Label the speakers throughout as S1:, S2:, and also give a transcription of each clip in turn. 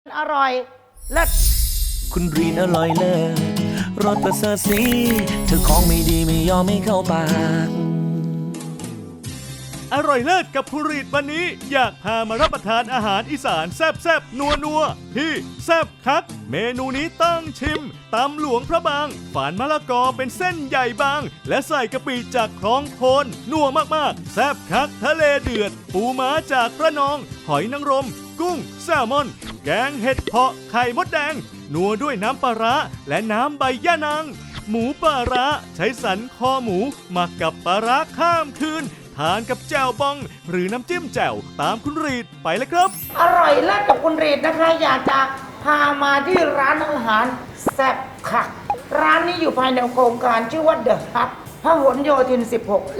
S1: อร่อยเลิศ
S2: คุณรีนอร่อยเลิศรสประเสริฐสีเธอของไม่ดีไม่ยอมไม่เข้าปาก
S3: อร่อยเลิศกับคุณรีดวันนี้อยากพามารับประทานอาหารอีสานแซ่บๆนัวๆที่แซ่บคักเมนูนี้ต้องชิมตำหลวงพระบางฝานมะละกอเป็นเส้นใหญ่บางและใส่กะปิจากคลองโคนนัวมากๆแซ่บคักทะเลเดือดปูม้าจากระนองหอยนางรมกุ้งแซลมอนแกงเห็ดเผาะไข่มดแดงนัวด้วยน้ำปลาร้าและน้ำใบย่านางหมูปลาร้าใช้สันคอหมูหมักกับปลาร้าข้ามคืนทานกับแจ่วบองหรือน้ำจิ้มแจ่วตามคุณรีดไปเลยครับ
S1: อร่อยเลิศกับคุณรีดนะคะอยากจะพามาที่ร้านอาหารแซ่บค่ะร้านนี้อยู่ภายในโครงการชื่อว่าเดอะฮับพหลโยธิน 16 และ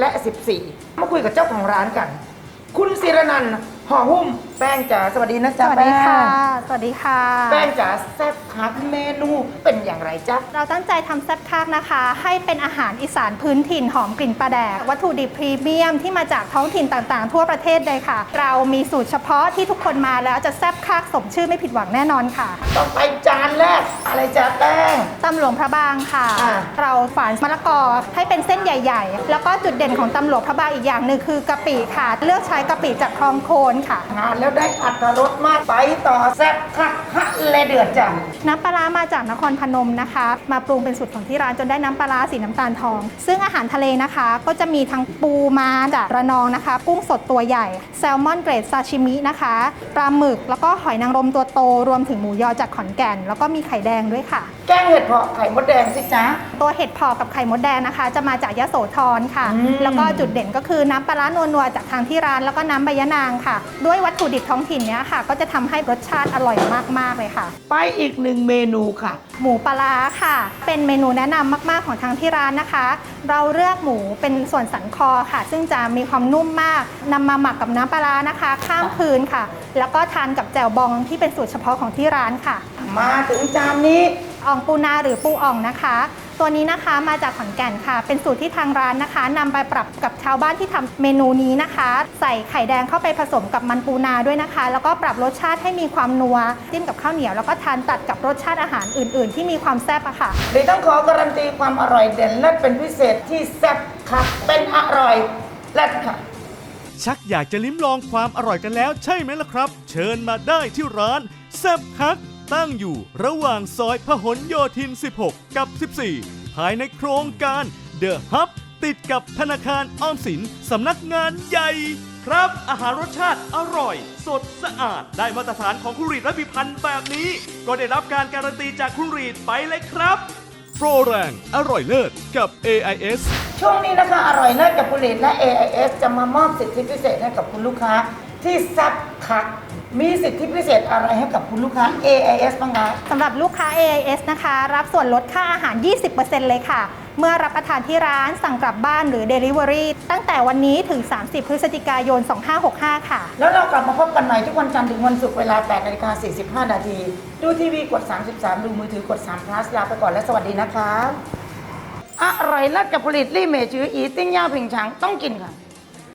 S1: 14 มาคุยกับเจ้าของร้านกัน คุณศิรนันท์ห่อหุ้มแป้งจ๋าสวัสดีนะจ๊ะ
S4: สวัสดีค่ะสวัสดีค่ะ
S1: แป้งจ๋าแซ่บคักเมนูเป็นอย่างไรจ๊ะ
S4: เราตั้งใจทำแซ่บคักนะคะ ให้เป็นอาหารอีสานพื้นถิ่นหอมกลิ่นปลาแดกวัตถุดิบพรีเมียมที่มาจากท้องถิ่นต่างๆทั่วประเทศเลยค่ะ เรามีสูตรเฉพาะที่ทุกคนมาแล้วจะแซ่บคักสมชื่อไม่ผิดหวังแน่นอนค่ะ
S1: ต่อไปจานแรกอะไรจ๊ะแป้ง
S4: ตำหลวงพระบางค่ะเราฝานมะละกอให้เป็นเส้นใหญ่ๆแล้วก็จุดเด่นของตำหลวงพระบางอีกอย่างหนึ่งคือกะปิค่ะเลือกใช้กะปิจากคลองโคนค่ะ
S1: ทานแล้วได้อรรถรสมากไปต่อแซ่บคักฮะและเดือดจัง
S4: น้ำปลาร้ามาจากนครพนมนะคะมาปรุงเป็นสูตรของที่ร้านจนได้น้ำปลาร้าสีน้ำตาลทองซึ่งอาหารทะเลนะคะก็จะมีทั้งปูมาจากระนองนะคะกุ้งสดตัวใหญ่แซลมอนเกรดซาชิมินะคะปลาหมึกแล้วก็หอยนางรมตัวโตรวมถึงหมูยอจากขอนแก่นแล้วก็มีไข่แดงด้วยค่ะ
S1: แกงเห็ดเผาะไข่มดแดงสิจ๊ะ
S4: ตัวเห็ดเผาะกับไข่มดแดงนะคะจะมาจากยโสธรค่ะแล้วก็จุดเด่นก็คือน้ำปลาร้านัวๆจากทางที่ร้านแล้วก็น้ำใบยะนางค่ะด้วยวัตถุดิบท้องถิ่นเนี้ยค่ะก็จะทำให้รสชาติอร่อยมากๆเลยค่ะ
S1: ไปอีกหนึ่งเมนูค่ะ
S4: หมูปลาร้าค่ะเป็นเมนูแนะนำมากๆของทางที่ร้านนะคะเราเลือกหมูเป็นส่วนสันคอค่ะซึ่งจะมีความนุ่มมากนำมาหมักกับน้ำปลาร้านะคะข้ามคืนค่ะแล้วก็ทานกับแจ่วบองที่เป็นสูตรเฉพาะของที่ร้านค่ะ
S1: มาถึงจานนี้
S4: อ่องปูนาหรือปูอ่องนะคะตัวนี้นะคะมาจากขอนแก่นค่ะเป็นสูตรที่ทางร้านนะคะนำไปปรับกับชาวบ้านที่ทำเมนูนี้นะคะใส่ไข่แดงเข้าไปผสมกับมันปูนาด้วยนะคะแล้วก็ปรับรสชาติให้มีความนัวจิ้มกับข้าวเหนียวแล้วก็ทานตัดกับรสชาติอาหารอื่นๆที่มีความแซ่บอะค่ะ
S1: เลยต้องขอการันตีความอร่อยเด่นเลิศเป็นพิเศษที่แซ่บค่ะเป็นอร่อยเลิศค่ะ
S3: ชักอยากจะลิ้มลองความอร่อยกันแล้วใช่ไหมล่ะครับเชิญมาได้ที่ร้านแซ่บคักตั้งอยู่ระหว่างซอยพหลโยธิน 16 กับ 14 ภายในโครงการ The Hub ติดกับธนาคารออมสินสำนักงานใหญ่ครับอาหารรสชาติอร่อยสดสะอาดได้มาตรฐานของคุณรีดและพิพันธ์แบบนี้ก็ได้รับการการันตีจากคุณรีดไปเลยครับโปรแรงอร่อยเลิศกับ AIS
S1: ช่วงนี้นะคะอร่อยเลิศกับคุณรีดและ AIS จะมามอบสิทธิพิเศษให้กับคุณลูกค้าที่แซ่บคักมีสิทธิพิเศษอะไรให้กับคุณลูกค้า AIS บ้างคะ
S4: สำหรับลูกค้า AIS นะคะรับส่วนลดค่าอาหาร 20% เลยค่ะเมื่อรับประทานที่ร้านสั่งกลับบ้านหรือ Delivery ตั้งแต่วันนี้ถึง 30 พฤศจิกายน 2565 ค่ะ
S1: แล้วเรากลับมาพบกันใหม่ทุกวันจันทร์ถึงวันศุกร์เวลา 8:45 นาทีดูทีวีกด 33 ดูมือถือกด3 plus ลาไปก่อนและสวัสดีนะคะอร่อยเลิศกับผลิตลี่เมจืออีติ้งย่าผิงฉังต้องกินค่ะ